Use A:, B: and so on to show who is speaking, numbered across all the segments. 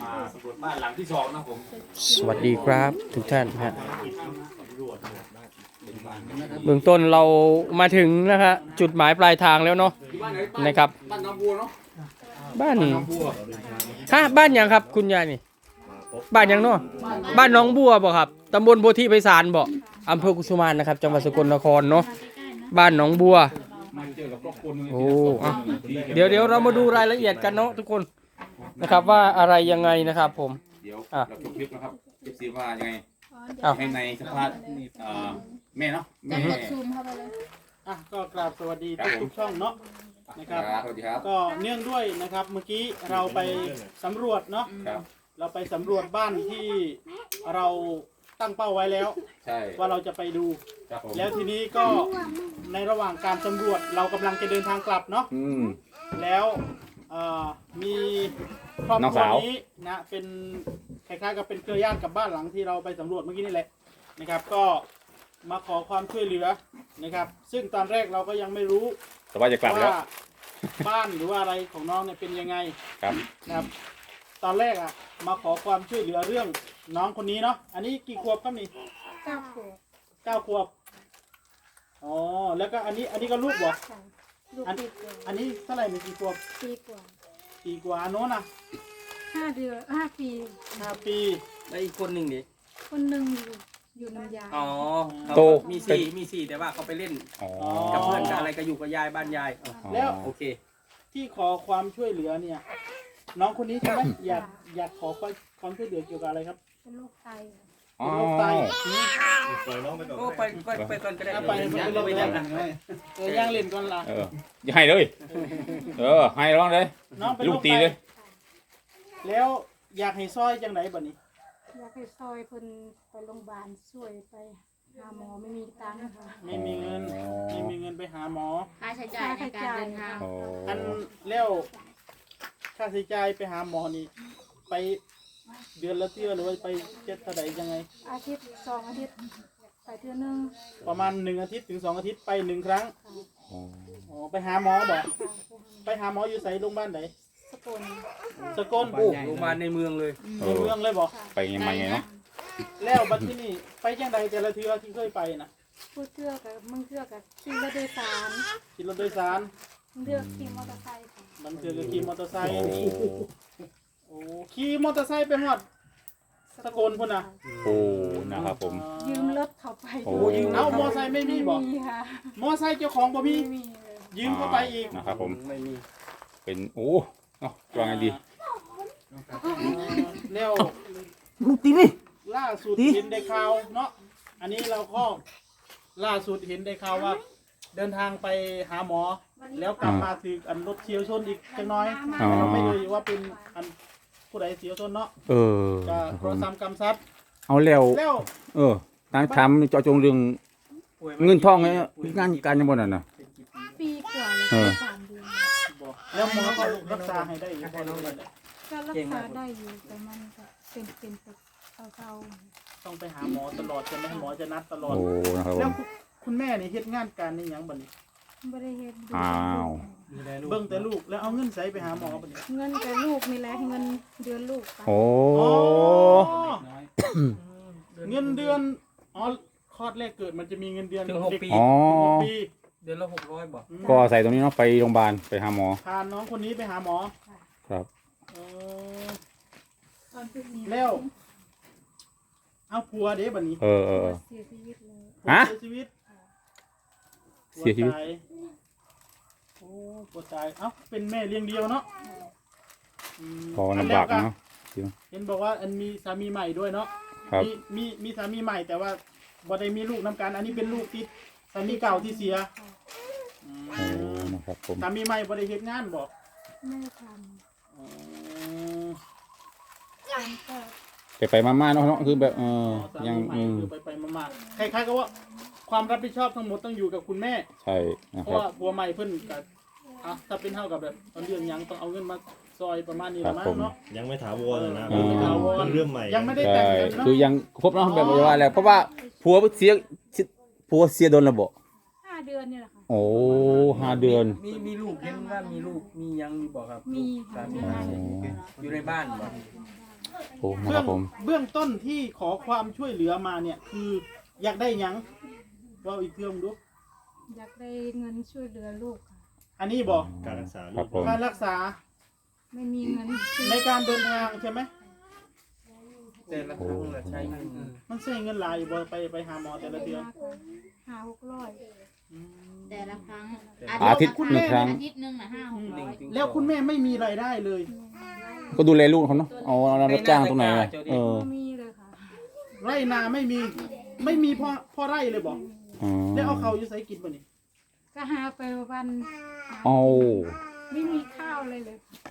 A: มาสำรวจบ้านหลังที่2นะผม
B: สวัสดีครับทุกท่านฮะเบื้องต้นเรามาถึงนะฮะจุดหมายปลายทางแล้วเนาะนะครับ
A: บ้านน้องบัวเนาะ
B: บ้าน
A: น้องบัว
B: ฮะบ้านยังครับคุณยายนี่บ้านยังเนาะบ้านน้องบัวบ่ครับตำบลโพธิไพศาลบ่อำเภอกุสุมานนะครับจังหวัดสกลนครเนาะบ้านน้องบัว
A: มาเจอกับครอบครัวนึง
B: โอ้เดี๋ยวเรามาดูรายละเอียดกันเนาะทุกคนนะครับว่าอะไรยังไงนะครับผม
A: เดี๋ยวเราจบคลิปนะครับคลิปซีว่ายังไง
B: อ้าว
A: ให้ในสภาพแม่เนาะแม่
C: ซูมเข้าไปเลย
D: ก็กราบสวัสดีทุกช่องเนาะนะครับ
A: สวัสดีครับ
D: ก็เนื่องด้วยนะครับเมื่อกี้เราไปสำรวจเนาะ
A: ครับ
D: เราไปสำรวจบ้านที่เราตั้งเป้าไว้แล้ว
A: ใช่
D: ว่าเราจะไปดู
A: ครับผม
D: แล้วทีนี้ก็ในระหว่างการสำรวจเรากำลังจะเดินทางกลับเนาะแล้วมีครอบครัวนี้นะเป็นคล้ายๆกับเป็นเครือญาติกับบ้านหลังที่เราไปสำรวจเมื่อกี้นี่แหละนะครับ ก็มาขอความช่วยเหลือนะครับ ซึ่งตอนแรกเราก็ยังไม่รู้
A: แต่ว่าจะกลับแล้ว
D: ว่าบ้านหรือว่าอะไรของน้องเนี่ยเป็นยังไง
A: ครับ
D: นะครับ ตอนแรกมาขอความช่วยเหลือเรื่องน้องคนนี้เนาะอันนี้กี่ขวบครับนี่
C: 9 ขวบ
D: 9 ขวบอ๋อแล้วก็อันนี้ก็ลูกบ่
C: ค่ะลูกปีกว่า
D: อันนี้เท่าไหร่มีกี่ขวบ
C: ปีกว่า
D: ปีกว่าอันโน้นน่ะ
C: 5 เดือน 5 ปี
D: 5 ปี
B: แล้วอีกคนหนึ่งดิ
C: คนหนึ่งอยู่น้ำยา
B: อ๋อ
A: โต
B: มีสี่แต่ว่าเขาไปเล่น
A: อ๋อ
B: กับเพื่อนกับอะไรก็อยู่กับยายบ้านยาย
D: แล้ว
B: โอเค
D: ที่ขอความช่วยเหลือเนี่ย น้องคนนี้ใช่ไหมอยากขอความช่วยเหลือเกี่ยวกับอะไรครับ
C: เป็นโรคไต
A: อ๋อ
D: โรคไต
B: โอ้ไปก่อนก็ได้
D: เอาไปเป็นโรคไตย่างเล่นก่อนละ
A: อย่าให้เลยให้ร้องเลย
D: น้องเป็น
A: ลู
D: โร
A: ก
D: ค
A: ตี
D: ไต
A: เลย
D: แล้วอยากให้ซอยจังไหนบัดนี้
C: อยากให้ซอยเพิ่นไปโรงพยาบาลช่วยไปหาหมอไม่มีตังค์ค่ะ
D: ไม่มีเงินไปหาหมอ
E: ค่าใช้จ่ายในการเดินทาง
A: โอ้
D: อันแล้วค่าใช้จ่ายไปหาหมอนี่ไปเดือนละเที่ยวหรือว่าไปเจ็ดเท่าไหร่ยังไง
C: อาทิตย์2 อาทิตย์ไปเทื่อนึง
D: ประมาณ1 อาทิตย์ถึง2 อาทิตย์ไป1 ครั้ง
C: ค่ะ
D: อ๋อไปหาหมอบอกไปหาหมออยู่ไสโรงพยาบาลไหน
C: สกล
D: สกล
B: โอ้โรงพยาบาลในเมืองเลย
D: ในเมืองเลยบอก
A: ไปไงมาไงเนาะ
D: แล้วบัดที่นี่ไปจังใดแต่ละเทือที่เคยไปนะ
C: พูดเทื่อกับมึงเทื่อกับขี่รถโดยสาร
D: ขี่รถโดยสาร
C: มึงเทื่อขี่มอเตอร์ไซค์ค่ะ
D: บางเทือก็ขี่มอเตอร์ไซค์
A: โอ้
D: โอ้ขี่มอเตอร์ไซค์ไปฮอดสกลพุ่นน่ะ
A: โอ้นะครับผม
C: ยืมรถเขาไป
A: โอ้
D: เอ้ามอไซค์ไม่มีบอก
C: มีค่ะ
D: มอไซค์เจ้าของบ่มี
C: ไม่มีเลย
D: ยืมเข้าไปอีก
A: นะครับผม
B: ไม่มี
A: เป็นโอ้เนาะว่าไงดี
D: แล้ว
B: มึงตีนี่
D: ล่าสุดเห็นได้ข่าวเนาะอันนี้เราก็ล่าสุดเห็นได้ข่าวว่า เดินทางไปหาหมอ แล้วกลับมาถึงอันรถเฉียวชนอีกจังน้อย
A: อ๋อ
D: เราไม่รู้ว่าเป็นอันผู้ใดเฉียวชนเนาะ
A: เออ
D: จะโทรศัพท์กำซัด
A: เอาแล้ว
D: แล้ว
A: นางทำเจาะจงเรื่องเงินทองไงงานการยังบ่นั่นน่ะ
C: ปีกว่าเลย
A: เออ
C: 3 เดือน
D: บอกแล้วหมอเขารักษาให้ได้อยู่พอน้องเลย
C: ก็รักษาได้อยู่แต่มันก็เป็นเก่า
D: ต้องไปหาหมอตลอดจะไม่ให้หมอจะนัดตลอด
A: โอ้นะครับผ
D: แล้ว
A: ม
D: คุณแม่นี่เฮ็ดงานการนี่หยังบัดนี้
C: ๆไม่ได้เฮ็ดดู
A: อ้าว
D: เบิ่งแต่ลูกแล้วเอาเงินใส่ไปหาหมอบัดนี้
C: เงินแต่ลูกนี่แหละเงินเดือนลูกไป
A: โอ้
D: อ๋อเงินเดือนอ๋อคลอดแรกเกิดมันจะมีเงินเดือน
B: ถึง6 ปี
A: อ๋อ
D: ปี
B: เดือนละ600บ่
A: ก็อาศัยตรงนี้เนาะไปโรงพยาบาลไปหาหมอ
D: พาน้องคนนี้ไปหาหมอ
A: ครับ
D: เออ
C: ตอนพรุ่งนี้
D: แล้วเอาผัวเด้บัดนี้
A: เออ
C: เสียชีวิตเลย
D: ผัว
A: ฮะ
D: เสียชีวิต
A: เสียชีวิต
D: ผัตาโอ้ผัวตายเอ้าเป็นแม่เลี้ยงเดียวเนาะม
A: พอลำบากเนาะ
D: เห็นบอกว่าอันมีสามีใหม่ด้วยเนาะ
A: ครับ
D: มีสามีใหม่แต่ว่าบ่ได้มีลูกนำกันอันนี้เป็นลูกที่สามีเก่าที่เสียอืม
A: โอ้นะครับผม
D: สามีใหม่บ่ได้เฮ็ดงานบ่
C: ไม่ได้ท
D: อ๋อ
C: ำมันก็
A: ไปมาๆเนาะคือแบบ
D: สามี
A: ยัง
D: ใหม่คือไปมาๆคล้ายๆกับว่าความรับผิดชอบทั้งหมดต้องอยู่กับคุณแม่
A: ใช่นะ
D: เพ
A: ค
D: ราะ
A: รับ
D: ว่าผัวใหม่เพิ่นก็ถ้าเป็นเท่ากับแบบตอนเรื่องหยังต้องเอาเงินมาซอยประมาณนี้ละมั้งเนาะ
F: ยังไม่ถาวรนะ
D: ยังไม่ถาวร
F: เป็นเรื่องใหม่
D: ยังไม่ได้
A: ใช่
D: แต่งกันเนาะ
A: คือยังครบเนาะแบบว่าแล้วเพราะว่าผัวเสียโดนระบบ
C: 5 เดือนนี่แหละค่ะ
A: โอ้5 เดือน
B: มีลูกเห็นว่ามีลูกมียังอยู่บ่ครับ
C: มี
B: สา
C: ค่ะ
B: มี
C: มี
A: อ๋อ
B: อยู่ในบ้านบ่
A: โอ้นะครับผม
D: เบื้องต้นที่ขอความช่วยเหลือมาเนี่ยคืออยากได้หยังว่าอีกเรื่องดู
C: อยากได้เงินช่วยเหลือลูกค่ะ
D: อันนี้บอก
F: การรักษา
A: ครับผม
D: การรักษา
C: ไม่มีเงินซื้อ
D: ในการเดินทางใช่ไหม
B: แต่ละครั้งเราใช้เงิน
D: มันใช้เงินหลายอยู่บ่ไปหาหมอแต่ละเดือน
C: 500-600
E: แต่ละครั้ง
A: อาทิตย์หนึ่งครั้ง
E: อาทิตย์หนึงนะ500-600
D: แล้วคุณแม่ไม่มีรายได้เลย
A: ก็ดูแลลูกเขาเนาะเอารับจ้างตรงไหนอะเออ
C: ไม่มีเลยค่ะ
D: ไร่นาไม่มีพ่อไร่เลยบอก
A: อ๋อ
D: แล้วเอาเขาอยู่ใส่กินป่ะนี่
C: ก็หาไปวัน
A: เอา
C: ไม่มีข้าวเลยเลย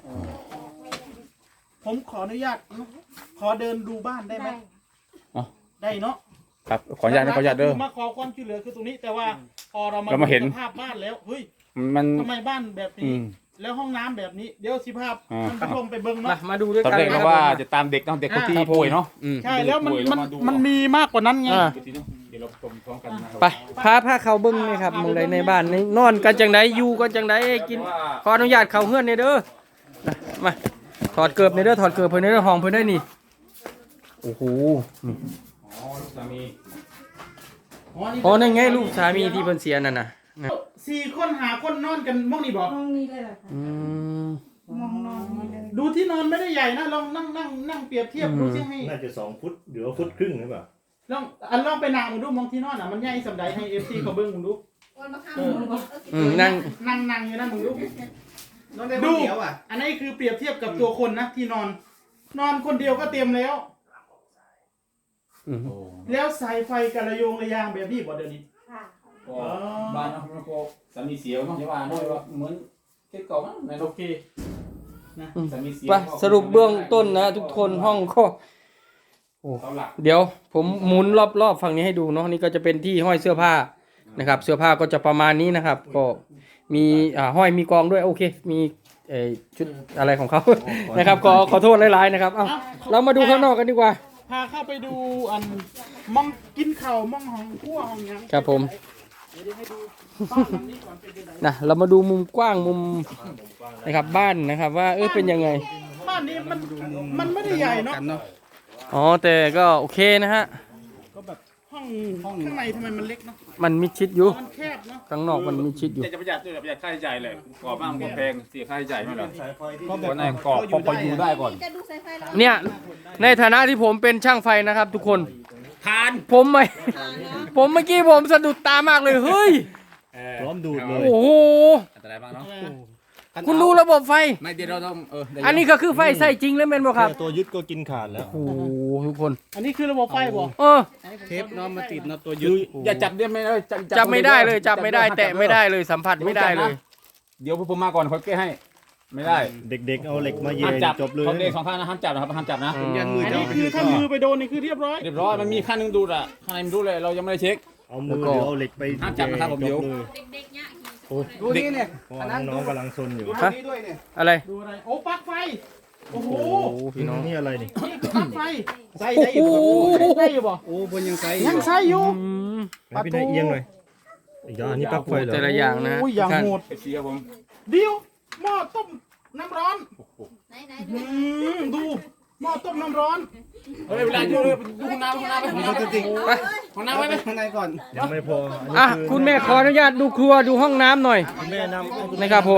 D: ผมขออนุญาตขอเดินดูบ้านได้ไหม
C: ได้
D: ได้เนาะ
A: ครับขออนุญาตนะขออนุญาตเด้อ
D: มาขอความช่วยเหลือคือตรงนี้ แต่ว่าพอเรา
A: เรามาเห็น
D: ดูสภาพบ้านแล้วเฮ้ย
A: มัน
D: ทำไมบ้านแบบ
A: อื
D: นี้
A: ม
D: แล้วห้องน้ำแบบนี้เดี๋ยวสิภาพ
A: อ่า
D: มันผู้ชมไปเบิ่ง
B: มา
D: เนาะ
B: มาดูด้วย
A: ตอน
B: กัน
A: แรก
B: นะ
A: นะครับว่าจะตามเด็กเนาะเด็กคนที่ป่วยเนาะ
B: อืม
D: ใช่แล้วมัน
A: ป่วยแล้วมาดู
D: มันมีมากกว่านั้นไง
B: อ่า
A: เดี๋ยวเราชมพร้อมกันนะครับ
B: ไปพาเขาเบิ้งนี่ครับหมึงใดในบ้านนี่นอนกันจังไดอยู่กันจังไดกินขออนุญาตเขาเฮือนนี่เด้อนะมาถอดเกือบในเด้อถอดเกือบเพิ่นในเด้อห้องเพิ่นได้นี่โอ้โหนี่
A: อ๋อลูกสามี
B: อ๋อนั่นไงลูกสามีที่เพิ่นเสียนั่นน่ะนะ
D: สี่คนหาคนนอนกันมองนี่บอก
C: ห้องนี้เลยเหรอคะ
B: อืม
C: มองนอนนี่เลย
D: ดูที่นอนไม่ได้ใหญ่นะลองนั่งเปรียบเทียบดูซิให้
F: น่าจะ2 ฟุตหรือว่าฟุตครึ่งหรือเปล่า
D: ลองไปนางมึงดูมองที่นอนอ่ะมันใหญ่สำใดให้เอฟซีเขาเบิ้งมึงดูเออ
B: นั่ง
D: นั่งอยู่นะมึงดูดูอันนี้คือเปรียบเทียบกับตัวคนนะที่นอนคนเดียวก็เต็มแล้ว
B: อืม
A: โอ้
D: แล้วสายไฟกระโยงระยางแบบนี้บ่เดี๋ยวนี้
C: ค่ะ
A: ก็บ้านนะครับแล้วก็สามีเสียเนาะจะว่าด้วยว่าเหมือนเคสเก่ามั้งในโล
D: โอก เคนะ
A: สามีเสีย
B: ไปสรุปเบื้องต้นนะทุกคนห้องก็โอ้
A: เสาหลัก
B: เดี๋ยวผมหมุนรอบๆฝั่งนี้ให้ดูเนาะนี่ก็จะเป็นที่ห้อยเสื้อผ้านะครับ เสื้อผ้าก็จะประมาณนี้นะครับ ก็มีห้อยมีกองด้วยโอเค มีชุดอะไรของเขา นะครับขอโทษหลายๆนะครับเอ้าเรามาดูข้างนอกกันดีกว่า
D: พาเข้าไปดูอันมองกินข้าวมองห้องครัวห้องหยัง
B: ครับผม
D: เดี๋ยวให้ดูบ้านหลังนี้ก่อนเป็นยังไง
B: นะเรามาดูมุมกว้างมุมนะครับบ้านนะครับ ว่าเป็นยังไง
D: บ้านนี้มันไม่ได้ใหญ่เนาะ
B: อ๋อแต่ก็โอเคนะฮะ
D: ก็แบบห้องข้างในทำไมมันเล็กเนาะ
B: มันมิดชิดอยู่
D: มันแคบเนาะ
B: ข้างนอกมันมิดชิดอยู่
A: จะประหยัดด้วยประหยัดค่าใช้จ่ายเลยก่อบ้านมันก็แพงเสียค่าใช้จ่ายไม่หรอ
F: สายไฟที่
A: ก็แบบไหนก่อพออยู่ได้ก่อน
B: เนี่ยในฐานะที่ผมเป็นช่างไฟนะครับ ทุกคน
A: ทาน
B: ผมไม่ ผมเมื่อกี้ผมสะดุดตามากเลยเฮ้ย
F: พร้อมดูดเลย
B: โอ้โห
A: อันตรายมากเนาะ
B: คุณดูระบบไฟ
A: ไม่เดี๋ยวเราต้อง
B: อันนี้ก็คือไฟใส่จริงแล้วเป็นบ่ครับ
F: แค่ตัวยึดก็กินขาดแล้ว
B: โอ้โหทุกคน
D: อันนี้คือระบบไฟบ่
B: เออ
D: เทปน้องมาติดนะ
A: ตัวยืดอย่าจับได้ไหมเลย
B: จับไม่ได้เลยจับไม่ได้แตะไม่ได้เลยสัมผัสไม่ได้เลย
A: เดี๋ยวผมมาก่อนเขาแก้ให้ ไม่ได้
F: เด็กๆเอาเหล็กมาเย็
A: ห้าม
F: น
A: จับ
F: จบเลย
A: เขาเด็ก2 ข้างนะห้ามจับนะครับห้ามจับนะ
B: อืม
D: อันนี้คือถ้ามือไปโดนนี่คือเรียบร้อย
A: เรียบร้อยมันมีขั้นหนึงดูดอ่ะข้างในมันดูดเลยเรายังไม่ได้เช็ค
F: เอามือหรือเอาเหล็กไป
A: ห้ามจับนะครับผมเดี๋ยว
F: จเลย
E: เด็กๆเนี่ย
A: ดูนี่เนี่ย
F: เพราะว่าน้องๆกำลังซนอยู่
B: ฮะอะไร
D: ดูอะไรโอ้ปลั๊กไฟโอ้โห
B: โอ้พี่น้อง
F: นี่อะไรนี่
D: นี่คือปลั๊กไฟ
A: ใส่ได้อยู่
D: ได้อยู่บ่
A: โอ้บนยังใส่
D: ยังใช้อยู่
B: อืม
F: ให้พี่นายเอียงหน่อยอีกอย่างอันนี้ปลั๊กไฟเหรอ
B: แต่ละอย่างนะ
D: โอ้ยอย่าง
B: ท่าน
D: โหด
A: เอฟซีครับผม
D: เดียวหม้อต้มน้ำร้อน
E: ไหน
D: อืมดูหม้อต้มน้ำร้อน
A: เฮ้ยเวลาดูเลยดูห้องน้ำไปห้องน้ำไปห้องน้ำไปข้างในก่อน
F: ยังไม่พออันนี้
B: อ่ะ
F: คือ
B: คุณแม่ขออนุญาตดูครัวดูห้องน้ำหน่อย
F: คุณแม่นำ
B: นะครับผม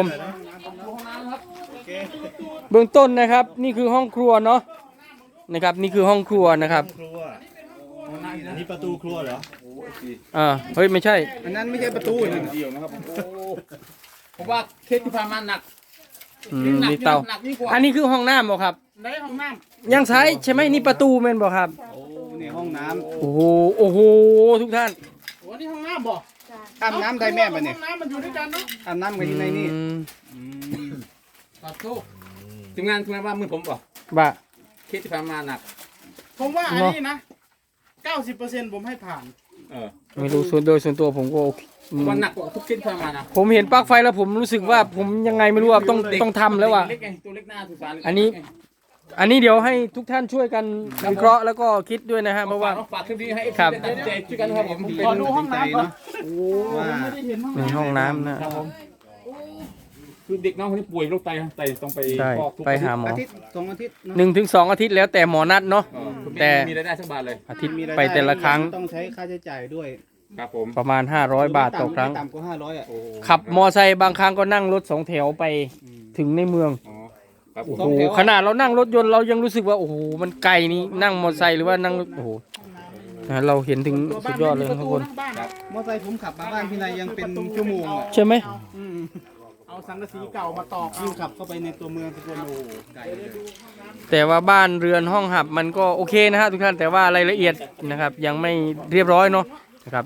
B: เบื้องต้นนะครับ นี่คือห้องครัวเนาะนะครับ นี่คือห้องครัวนะครับ
F: ครัวอันนี้ประตูครัวเหรอ
B: เฮ้ยไม่ใช่
A: อันนั้นไม่ใช่ประตูนะเดียวนะครับโอ้ผมว่าเคสที่ผ่านมาหนัก
B: มีเตา
A: หนักยิ่งกว่า
B: อันนี้คือห้องน้ำบ่ครับ
D: ในห้องน้
B: ยังใช้ใช่ไหมนี่ประตูแม่นบ่ครับ
A: ในห้องน้
B: โอ้โหโอ้โหทุกท่าน
D: ำโอ้นี่ห้องน้ำบ่
A: ำอาบน้ำได้แม่ปะเนี่ย
D: ห้องน้ำมันอยู่ด้วยกันเนาะ
A: อาบน้ำกันอยู่ในนี่
B: อืม
D: ขอโทษ
A: ทีมงานว่ามือผมบอก
B: บะ
A: เคสที่ผ่านมาหนัก
D: ผมว่าอันนี้นะ 90%ผมให้ผ่าน
B: ไม่รู้ส่วนตัวผมก็โอเค
A: มันหนักกว่าทุกเคสที่ผ่านมานะ
B: ผมเห็นปลั๊กไฟแล้วผมรู้สึกว่าผมยังไงไม่รู้ว่าต้องทำแล้วว่ะ
A: เล็กไงตัวเล็กหน้าสุสาน
B: อันนี้เดี๋ยวให้ทุกท่านช่วยกันวิเคราะห์แล้วก็คิดด้วยนะฮะเพราะว่า
A: ฝากคลิปนี้ให้
B: ครับ
A: ได้ใจช่วยกันครับผม
D: ขอดูห้องน้ำก่อน
B: โอ้
D: ผมไม่ได้เห็นห้อง
B: ใน
D: น้ำ
B: ห้องน้ำนะครับผม
A: คือเด็กน้องคนนี้ป่วยโรคไตต้องไป
B: ใช่
A: ฟอกทุก
B: ไปหาหมอ
D: อาทิตย์2 อาทิตย์เนอะ
B: 1 ถึง 2 อาทิตย์แล้วแต่หมอนัดเนาะ แต่
A: มีรายได้สักบาทเลย
B: อาทิตย์
D: มีราย
B: ไป
D: ได้
B: แต่ละครั้ง
D: ต้องใช้ค่าใช้จ่ายด้วย
A: ครับผม
B: ประมาณ500 บาทต่อครั้ง
D: ไม่ต่ำกว่า500อ่ะ
B: ขับมอไซค์บางครั้งก็นั่งรถ2 แถวไปถึงในเมือง
A: อ๋อครับผ
B: โอ้
A: ม
B: โหขนาดเรานั่งรถยนต์เรายังรู้สึกว่าโอ้โหมันไกลนี่นั่งมอไซค์หรือว่านั่งรถโอ้โหนะเราเห็นถึงสุดยอดเลยนะทุกคน
D: บ้านมอเตอร์ไซค์ผมขับมาบ้านพี่นายยังเป็นชั่วโมงอ่ะ
B: ใช่ไหม
D: เอาสังกะสีเก่ามาตอกยิ่งขับเข้าไปในตัวเมืองสกลโอ้ไกลเลย
B: แต่ว่าบ้านเรือนห้องหับมันก็โอเคนะฮะทุกท่านแต่ว่ารายละเอียดนะครับยังไม่เรียบร้อยเนาะนะครับ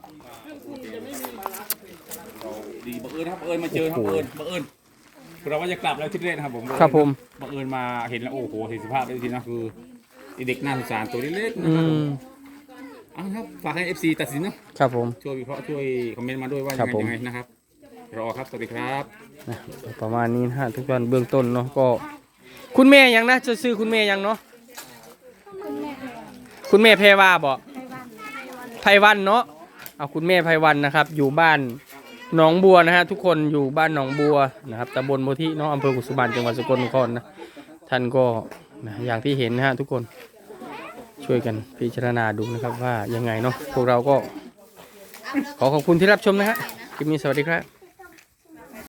A: ดีบังเอิญครับบังเอิญมาเจอครับบังเอิญเราว่าจะกลับแล้วที่เล่นนะครับผม
B: ครับผม
A: บังเอิญมาเห็นแล้วโอ้โหเห็นสภาพได้ทีนะคือเด็กน่าสงสารตัวเล็กๆนะ
B: อื
A: ครับผม
B: ม
A: เอาครับฝากให้ FC ตัดสินเนาะ
B: ครับผม
A: ช่วยวิเคราะห์ช่วยคอมเมนต์มาด้วยว่า
B: ครั
A: ยั
B: บ
A: งไง
B: ผม
A: ยังไงนะครับรอครับสวัสดีครับ
B: นะประมาณนี้นะฮะทุกท่านเบื้องต้นเนาะก็คุณแม่ยังนะจะซื้อคุณแม่ยังเนาะ
C: คุณแม่
B: คุณแม่แพรวาบ่
C: ไต้หวัน
B: ไพวันเนาะเอาคุณแม่ไพวันนะครับ อยู่บ้านหนองบัวนะฮะทุกคนอยู่บ้านหนองบัวนะครับตำบลโพธิเนาะอำเภอกุสุบรรณจังหวัดสกลนครนะท่านก็นะอย่างที่เห็นนะฮะทุกคนช่วยกันพิจารณาดูนะครับว่ายังไงเนาะพวกเราก็ขอขอบคุณที่รับชมนะฮะคลิปนี้สวัสดีครับ